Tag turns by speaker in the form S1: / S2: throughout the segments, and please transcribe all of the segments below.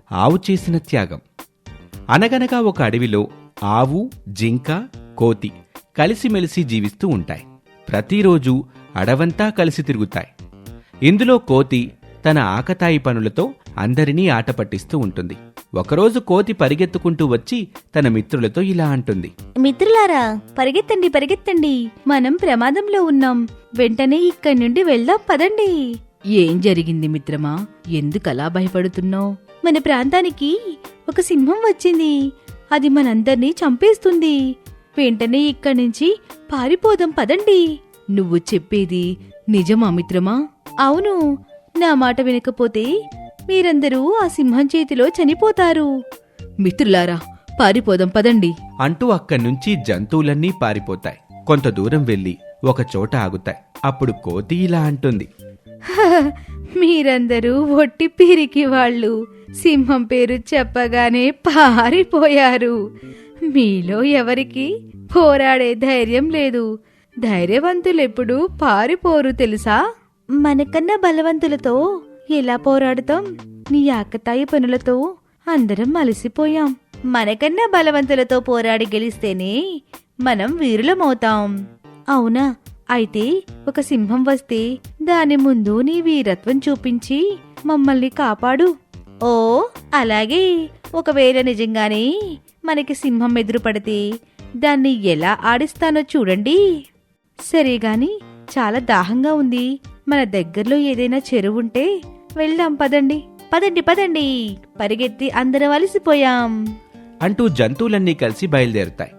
S1: ఆవు చేసిన త్యాగం. అనగనగా ఒక అడవిలో ఆవు, జింక, కోతి కలిసిమెలిసి జీవిస్తూ ఉంటాయి. ప్రతిరోజూ అడవంతా కలిసి తిరుగుతాయి. ఇందులో కోతి తన ఆకతాయి పనులతో అందరినీ ఆట పట్టిస్తూ ఉంటుంది. ఒకరోజు కోతి పరిగెత్తుకుంటూ వచ్చి తన మిత్రులతో ఇలా అంటుంది:
S2: మిత్రులారా, పరిగెత్తండి పరిగెత్తండి, మనం ప్రమాదంలో ఉన్నాం. వెంటనే ఇక్కడి నుండి వెళ్దాం, పదండి.
S3: ఏం జరిగింది మిత్రమా? ఎందుకలా భయపడుతున్నావు?
S2: మన ప్రాంతానికి ఒక సింహం వచ్చింది. అది మనందర్నీ చంపేస్తుంది. వెంటనే ఇక్కడి నుంచి పారిపోదాం, పదండి.
S3: నువ్వు చెప్పేది నిజమా మిత్రమా?
S2: అవును, నా మాట వినకపోతే మీరందరూ ఆ సింహం చేతిలో చనిపోతారు.
S3: మిత్రులారా, పారిపోదాం పదండి
S1: అంటూ అక్కడ్నుంచి జంతువులన్నీ పారిపోతాయి. కొంత దూరం వెళ్లి ఒక చోట ఆగుతాయి. అప్పుడు కోతి ఇలా అంటుంది:
S2: మీరందరూ ఒట్టి పిరికి వాళ్ళు. సింహం పేరు చెప్పగానే పారిపోయారు. మీలో ఎవరికి పోరాడే ధైర్యం లేదు. ధైర్యవంతులెప్పుడు పారిపోరు తెలుసా? మనకన్నా బలవంతులతో ఎలా పోరాడుతాం? నీ ఆకతాయి పనులతో అందరం అలసిపోయాం. మనకన్నా బలవంతులతో పోరాడి గెలిస్తేనే మనం వీరులమవుతాం. అవునా? అయితే ఒక సింహం వస్తే దాని ముందు నీ వీరత్వం చూపించి మమ్మల్ని కాపాడు. ఓ అలాగే. ఒకవేళ నిజంగానే మనకి సింహం ఎదురుపడితే దాన్ని ఎలా ఆడిస్తానో చూడండి. సరేగాని, చాలా దాహంగా ఉంది. మన దగ్గరలో ఏదైనా చెరువుంటే వెళ్దాం, పదండి పదండి పదండి. పరిగెత్తి అందరం అలసిపోయాం
S1: అంటూ జంతువులన్నీ కలిసి బయలుదేరుతాయి.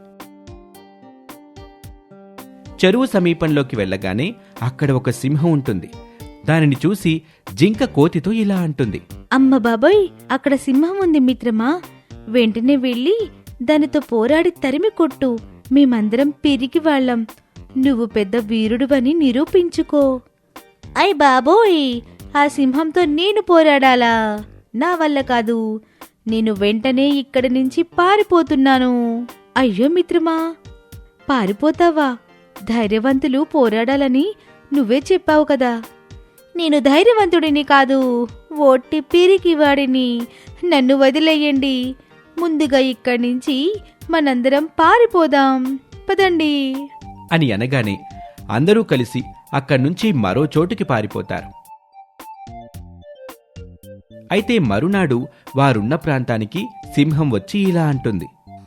S1: చెరువు సమీపంలోకి వెళ్ళగానే అక్కడ ఒక సింహం ఉంటుంది. దానిని చూసి జింక కోతితో ఇలా అంటుంది:
S2: అమ్మ బాబోయ్, అక్కడ సింహం ఉంది మిత్రమా. వెంటనే వెళ్ళి దానితో పోరాడి తరిమి కొట్టు. మేమందరం పిరికి వాళ్ళం. నువ్వు పెద్ద వీరుడువని నిరూపించుకో. అయ్ బాబోయ్, ఆ సింహంతో నేను పోరాడాలా? నా వల్ల కాదు. నేను వెంటనే ఇక్కడి నుంచి పారిపోతున్నాను. అయ్యో మిత్రమా, పారిపోతావా? ధైర్యవంతులు పోరాడాలని నువ్వే చెప్పావు కదా. నేను ధైర్యవంతుడిని కాదు, ఒట్టి పిరికివాడిని. నన్ను వదిలేయండి. ముందుగా ఇక్కడి నుంచి మనందరం పారిపోదాం, పదండి
S1: అని అనగానే అందరూ కలిసి అక్కడ్నుంచి మరో చోటుకి పారిపోతారు. అయితే మరునాడు వారున్న ప్రాంతానికి సింహం వచ్చి ఇలా అంటుంది: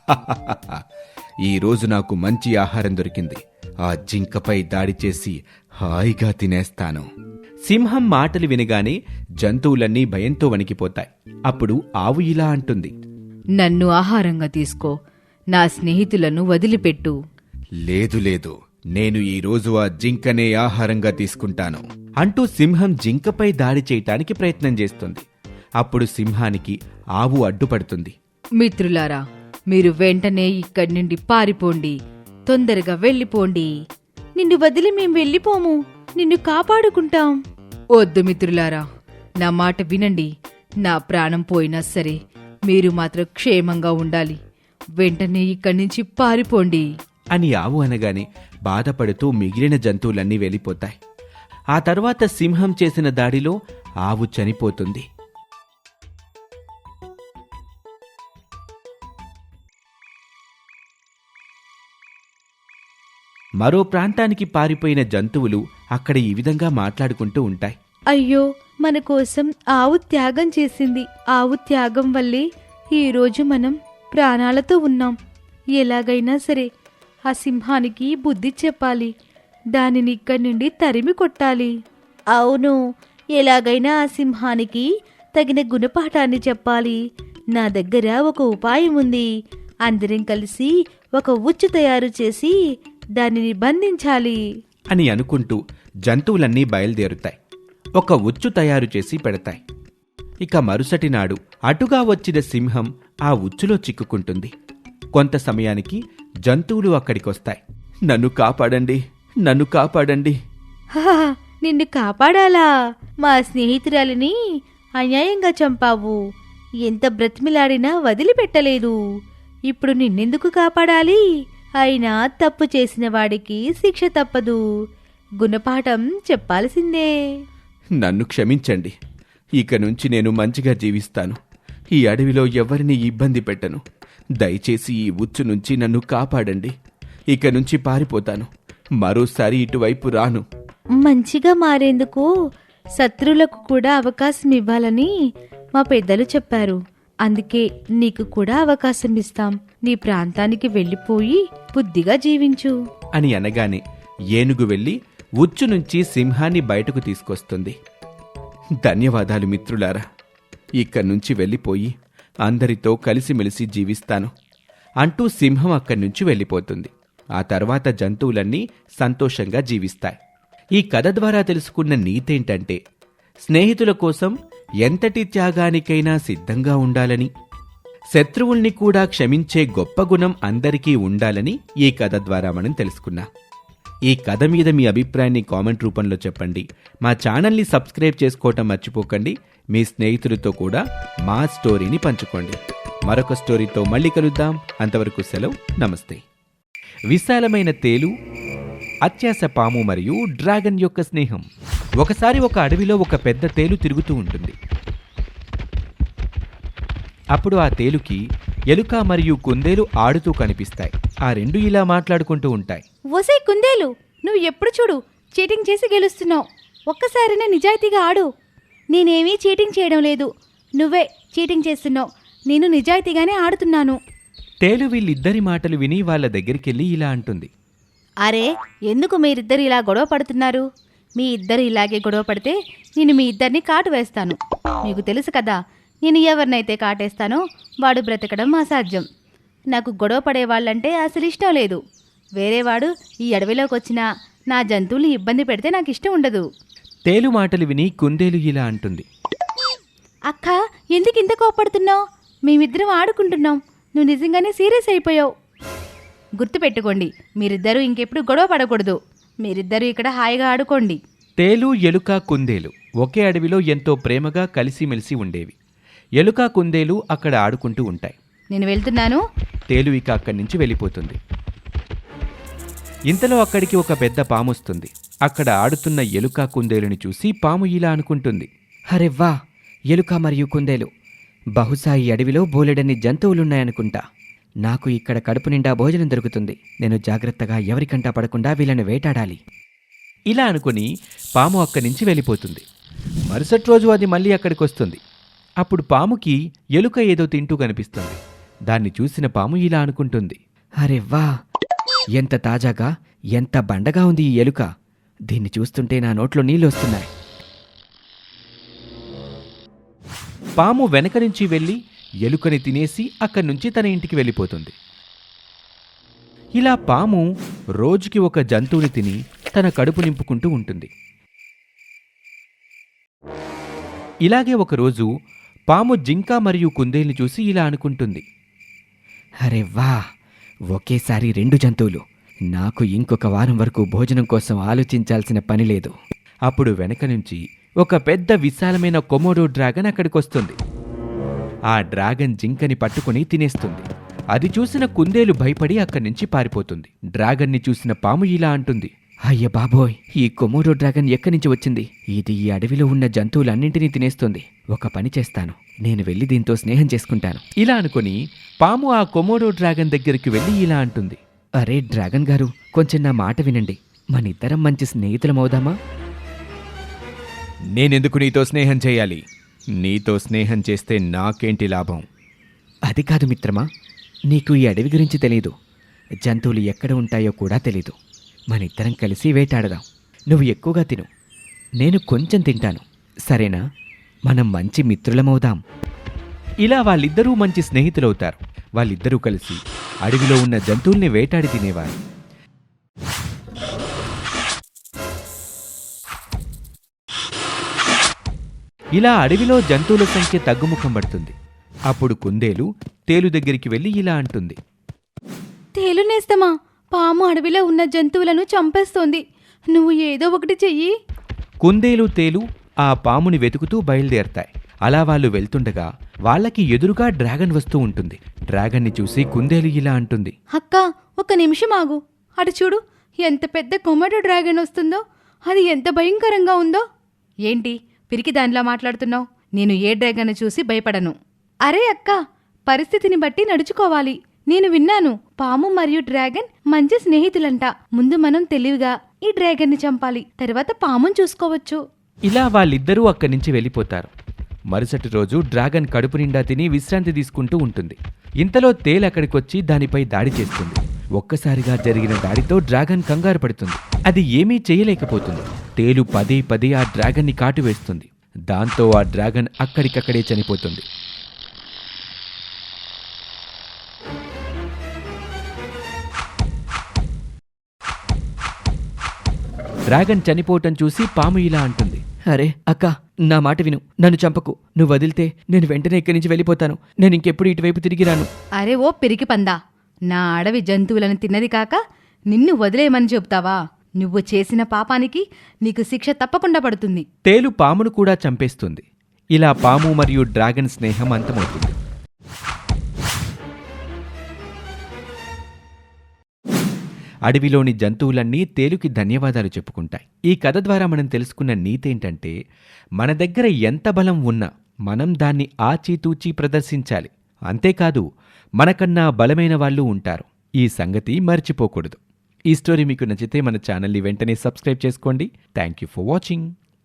S1: ఈరోజు నాకు మంచి ఆహారం దొరికింది. ఆ జింకపై దాడి చేసి హాయిగా తినేస్తాను. సింహం మాటలు వినగానే జంతువులన్నీ భయంతో వణికిపోతాయి. అప్పుడు ఆవు ఇలా అంటుంది:
S3: నన్ను ఆహారంగా తీసుకో, నా స్నేహితులను వదిలిపెట్టు.
S1: లేదు లేదు, నేను ఈరోజు ఆ జింకనే ఆహారంగా తీసుకుంటాను అంటూ సింహం జింకపై దాడి చేయటానికి ప్రయత్నం చేస్తుంది. అప్పుడు సింహానికి ఆవు అడ్డుపడుతుంది.
S3: మిత్రులారా, మీరు వెంటనే ఇక్కడి నుండి పారిపోండి. తొందరగా వెళ్ళిపోండి.
S2: నిన్ను వదిలి మేం వెళ్ళిపోము. నిన్ను కాపాడుకుంటాం.
S3: వద్దు మిత్రులారా, నా మాట వినండి. నా ప్రాణం పోయినా సరే మీరు మాత్రం క్షేమంగా ఉండాలి. వెంటనే ఇక్కడి నుంచి పారిపోండి
S1: అని ఆవు అనగానే బాధపడుతూ మిగిలిన జంతువులన్నీ వెళ్ళిపోతాయి. ఆ తర్వాత సింహం చేసిన దాడిలో ఆవు చనిపోతుంది. మరో ప్రాంతానికి పారిపోయిన జంతువులు అక్కడ ఈ విధంగా మాట్లాడుకుంటూ ఉంటాయి:
S2: అయ్యో, మన కోసం ఆవు త్యాగం చేసింది. ఆవు త్యాగం వల్లే ఈరోజు మనం ప్రాణాలతో ఉన్నాం. ఎలాగైనా సరే ఆ సింహానికి బుద్ధి చెప్పాలి. దానిని ఇక్కడి నుండి తరిమి కొట్టాలి. అవును, ఎలాగైనా ఆ సింహానికి తగిన గుణపాఠాన్ని చెప్పాలి. నా దగ్గర ఒక ఉపాయం ఉంది. అందరం కలిసి ఒక ఉచ్చు తయారు చేసి దానిని బంధించాలి
S1: అని అనుకుంటూ జంతువులన్నీ బయలుదేరుతాయి. ఒక ఉచ్చు తయారు చేసి పెడతాయి. ఇక మరుసటి నాడు అటుగా వచ్చిన సింహం ఆ ఉచ్చులో చిక్కుకుంటుంది. కొంత సమయానికి జంతువులు అక్కడికొస్తాయి. నన్ను కాపాడండి, నన్ను కాపాడండి.
S2: హా, నిన్ను కాపాడాలా? మా స్నేహితురాలిని అన్యాయంగా చంపావు. ఎంత బ్రతిమిలాడినా వదిలిపెట్టలేదు. ఇప్పుడు నిన్నెందుకు కాపాడాలి? అయినా తప్పు చేసిన వాడికి శిక్ష తప్పదు. గుణపాఠం చెప్పాల్సిందే.
S1: నన్ను క్షమించండి. ఇక నుంచి నేను మంచిగా జీవిస్తాను. ఈ అడవిలో ఎవరిని ఇబ్బంది పెట్టను. దయచేసి ఈ ఉచ్చు నుంచి నన్ను కాపాడండి. ఇక నుంచి పారిపోతాను. మరోసారి ఇటువైపు రాను.
S2: మంచిగా మారేందుకు శత్రువులకు కూడా అవకాశం ఇవ్వాలని మా పెద్దలు చెప్పారు. అందుకే నీకు కూడా అవకాశం ఇస్తాం. నీ ప్రాంతానికి వెళ్ళిపోయి బుద్ధిగా జీవించు
S1: అని అనగానే ఏనుగు వెళ్ళి ఉచ్చు నుంచి సింహాన్ని బయటకు తీసుకొస్తుంది. ధన్యవాదాలు మిత్రులారా. ఇక్కడి నుంచి వెళ్ళిపోయి అందరితో కలిసిమెలిసి జీవిస్తాను అంటూ సింహం అక్కడి నుంచి వెళ్ళిపోతుంది. ఆ తర్వాత జంతువులన్నీ సంతోషంగా జీవిస్తాయి. ఈ కథ ద్వారా తెలుసుకున్న నీతేంటంటే, స్నేహితుల కోసం ఎంతటి త్యాగానికైనా సిద్ధంగా ఉండాలని, శత్రువుల్ని కూడా క్షమించే గొప్ప గుణం అందరికీ ఉండాలని ఈ కథ ద్వారా మనం తెలుసుకున్నాం. ఈ కథ మీద మీ అభిప్రాయాన్ని కామెంట్ రూపంలో చెప్పండి. మా ఛానల్ని సబ్స్క్రైబ్ చేసుకోవటం మర్చిపోకండి. మీ స్నేహితులతో కూడా మా స్టోరీని పంచుకోండి. మరొక స్టోరీతో మళ్ళీ కలుద్దాం. అంతవరకు సెలవు. నమస్తే. విశాలమైన తేలు, అత్యాస పాము మరియు డ్రాగన్ యొక్క స్నేహం. ఒకసారి ఒక అడవిలో ఒక పెద్ద తేలు తిరుగుతూ ఉంటుంది. అప్పుడు ఆ తేలుకి ఎలుక మరియు కుందేలు ఆడుతూ కనిపిస్తాయి. ఆ రెండు ఇలా మాట్లాడుకుంటూ ఉంటాయి.
S2: ఓసే కుందేలు, నువ్వు ఎప్పుడు చూడు చీటింగ్ చేసి గెలుస్తున్నావు. ఒక్కసారినే నిజాయితీగా ఆడు. నేనేమీ చీటింగ్ చేయడం లేదు, నువ్వే చీటింగ్ చేస్తున్నావు. నేను నిజాయితీగానే ఆడుతున్నాను.
S1: తేలు వీళ్ళిద్దరి మాటలు విని వాళ్ళ దగ్గరికెళ్ళి ఇలా అంటుంది.
S2: అరే, ఎందుకు మీరిద్దరు ఇలా గొడవ పడుతున్నారు? మీ ఇద్దరు ఇలాగే గొడవ పడితే నేను మీ ఇద్దరిని కాటు వేస్తాను. మీకు తెలుసు కదా, నేను ఎవరినైతే కాటేస్తానో వాడు బ్రతకడం అసాధ్యం. నాకు గొడవ పడే వాళ్ళంటే అసలు ఇష్టం లేదు. వేరేవాడు ఈ అడవిలోకి వచ్చినా నా జంతువుల్ని ఇబ్బంది పెడితే నాకు ఇష్టం ఉండదు.
S1: తేలు మాటలు విని కుందేలు ఇలా అంటుంది.
S2: అక్క, ఎందుకు ఇంత కోపడుతున్నావు? మేమిద్దరం ఆడుకుంటున్నాం, నువ్వు నిజంగానే సీరియస్ అయిపోయావు. గుర్తుపెట్టుకోండి, మీరిద్దరూ ఇంకెప్పుడు గొడవ పడకూడదు. మీరిద్దరూ ఇక్కడ హాయిగా ఆడుకోండి.
S1: తేలు, ఎలుక, కుందేలు ఒకే అడవిలో ఎంతో ప్రేమగా కలిసిమెలిసి ఉండేవి. ఎలుక, కుందేలు అక్కడ ఆడుకుంటూ ఉంటాయి.
S2: నేను వెళ్తున్నాను.
S1: తేలు ఇక అక్కడి నుంచి వెళ్ళిపోతుంది. ఇంతలో అక్కడికి ఒక పెద్ద పాము వస్తుంది. అక్కడ ఆడుతున్న ఎలుక, కుందేలుని చూసి పాము ఇలా అనుకుంటుంది.
S4: హరెవ్వా, ఎలుక మరియు కుందేలు, బహుశా ఈ అడవిలో బోలెడన్ని జంతువులున్నాయనుకుంటా. నాకు ఇక్కడ కడుపు నిండా భోజనం దొరుకుతుంది. నేను జాగ్రత్తగా ఎవరికంటా పడకుండా వీళ్ళని వేటాడాలి.
S1: ఇలా అనుకుని పాము అక్కడి నుంచి వెళ్ళిపోతుంది. మరుసటి రోజు అది మళ్ళీ అక్కడికి వస్తుంది. అప్పుడు పాముకి ఎలుక ఏదో తింటూ కనిపిస్తుంది. దాన్ని చూసిన పాము ఇలా అనుకుంటుంది.
S4: హరెవ్వా, ఎంత తాజాగా, ఎంత బండగా ఉంది ఈ ఎలుక. దీన్ని చూస్తుంటే నా నోట్లో నీళ్ళు వస్తున్నాయి.
S1: పాము వెనక నుంచి వెళ్ళి ఎలుకని తినేసి అక్కడి నుంచి తన ఇంటికి వెళ్ళిపోతుంది. ఇలా పాము రోజుకి ఒక జంతువుని తిని తన కడుపు నింపుకుంటూ ఉంటుంది. ఇలాగే ఒకరోజు పాము జింక మరియు కుందేలుని చూసి ఇలా అనుకుంటుంది.
S4: హరెవ్వా, ఒకేసారి 2 జంతువులు. నాకు ఇంకొక వారం వరకు భోజనం కోసం ఆలోచించాల్సిన పని లేదు.
S1: అప్పుడు వెనక నుంచి ఒక పెద్ద విశాలమైన కొమోడో డ్రాగన్ అక్కడికొస్తుంది. ఆ డ్రాగన్ జింకని పట్టుకుని తినేస్తుంది. అది చూసిన కుందేలు భయపడి అక్కడి నుంచి పారిపోతుంది. డ్రాగన్ని చూసిన పాము ఇలా అంటుంది.
S4: అయ్య బాబోయ్, ఈ కొమోడో డ్రాగన్ ఎక్కడి నుంచి వచ్చింది? ఇది ఈ అడవిలో ఉన్న జంతువులన్నింటినీ తినేస్తుంది. ఒక పని చేస్తాను, నేను వెళ్ళి దీంతో స్నేహం చేసుకుంటాను.
S1: ఇలా అనుకుని పాము ఆ కొమోడో డ్రాగన్ దగ్గరికి వెళ్ళి ఇలా అంటుంది.
S4: అరే డ్రాగన్ గారు, కొంచెం నా మాట వినండి. మనిద్దరం మంచి స్నేహితులమవుదామా?
S1: నేనెందుకు నీతో స్నేహం చేయాలి? నీతో స్నేహం చేస్తే నాకేంటి లాభం?
S4: అది కాదు మిత్రమా, నీకు ఈ అడవి గురించి తెలీదు. జంతువులు ఎక్కడ ఉంటాయో కూడా తెలీదు. మనిద్దరం కలిసి వేటాడదాం. నువ్వు ఎక్కువగా తిను, నేను కొంచెం తింటాను, సరేనా? మనం మంచి మిత్రులమవుదాం.
S1: ఇలా వాళ్ళిద్దరూ మంచి స్నేహితులవుతారు. వాళ్ళిద్దరూ కలిసి అడవిలో ఉన్న జంతువుల్ని వేటాడి తినేవారు. ఇలా అడవిలో జంతువుల సంఖ్య తగ్గుముఖం పడుతుంది. అప్పుడు కుందేలు తేలు దగ్గరికి వెళ్ళి ఇలా అంటుంది.
S2: తేలునేస్తమా, పాము అడవిలో ఉన్న జంతువులను చంపేస్తోంది. నువ్వు ఏదో ఒకటి చెయ్యి.
S1: కుందేలు, తేలు ఆ పాముని వెతుకుతూ బయలుదేరతాయి. అలా వాళ్ళు వెళ్తుండగా వాళ్ళకి ఎదురుగా డ్రాగన్ వస్తూ ఉంటుంది. డ్రాగన్ని చూసి కుందేలు ఇలా అంటుంది.
S2: అక్క, ఒక నిమిషం ఆగు. అటు చూడు, ఎంత పెద్ద కొమోడో డ్రాగన్ వస్తుందో. అది ఎంత భయంకరంగా ఉందో. ఏంటి పిరికి దానిలా మాట్లాడుతున్నావు? నేను ఏ డ్రాగన్ చూసి భయపడను. అరే అక్క, పరిస్థితిని బట్టి నడుచుకోవాలి. నేను విన్నాను, పాము మరియు డ్రాగన్ మంచి స్నేహితులంట. ముందు మనం తెలివిగా ఈ డ్రాగన్ని చంపాలి, తర్వాత పాముని చూసుకోవచ్చు.
S1: ఇలా వాళ్ళిద్దరూ అక్కడి నుంచి వెళ్ళిపోతారు. మరుసటి రోజు డ్రాగన్ కడుపు నిండా తిని విశ్రాంతి తీసుకుంటూ ఉంటుంది. ఇంతలో తేలు అక్కడికొచ్చి దానిపై దాడి చేస్తుంది. ఒక్కసారిగా జరిగిన దాడితో డ్రాగన్ కంగారు పడుతుంది. అది ఏమీ చేయలేకపోతుంది. తేలు పదే పదే ఆ డ్రాగన్ని కాటువేస్తుంది. దాంతో ఆ డ్రాగన్ అక్కడికక్కడే చనిపోతుంది. డ్రాగన్ చనిపోవటం చూసి పాము ఇలా అంటుంది.
S4: అరే అక్క, నా మాట విను, నన్ను చంపకు. నువ్వు వదిలితే నేను వెంటనే ఇక్కడి నుంచి వెళ్ళిపోతాను. నేను ఇంకెప్పుడు ఇటువైపు తిరిగి రాను.
S2: అరే ఓ పిరికి పందా, నా అడవి జంతువులను తిన్నది కాక నిన్ను వదిలేయమని చెబుతావా? నువ్వు చేసిన పాపానికి నీకు శిక్ష తప్పకుండా పడుతుంది.
S1: తేలు పామును కూడా చంపేస్తుంది. ఇలా పాము మరియు డ్రాగన్ స్నేహం అంతమవుతుంది. అడవిలోని జంతువులన్నీ తేలుకి ధన్యవాదాలు చెప్పుకుంటాయి. ఈ కథ ద్వారా మనం తెలుసుకున్న నీతేంటంటే, మన దగ్గర ఎంత బలం ఉన్నా మనం దాన్ని ఆచితూచి ప్రదర్శించాలి. అంతేకాదు, మనకన్నా బలమైన వాళ్ళు ఉంటారు. ఈ సంగతి మర్చిపోకూడదు. ఈ స్టోరీ మీకు నచ్చితే మన ఛానల్ని వెంటనే సబ్స్క్రైబ్ చేసుకోండి. Thank you for watching.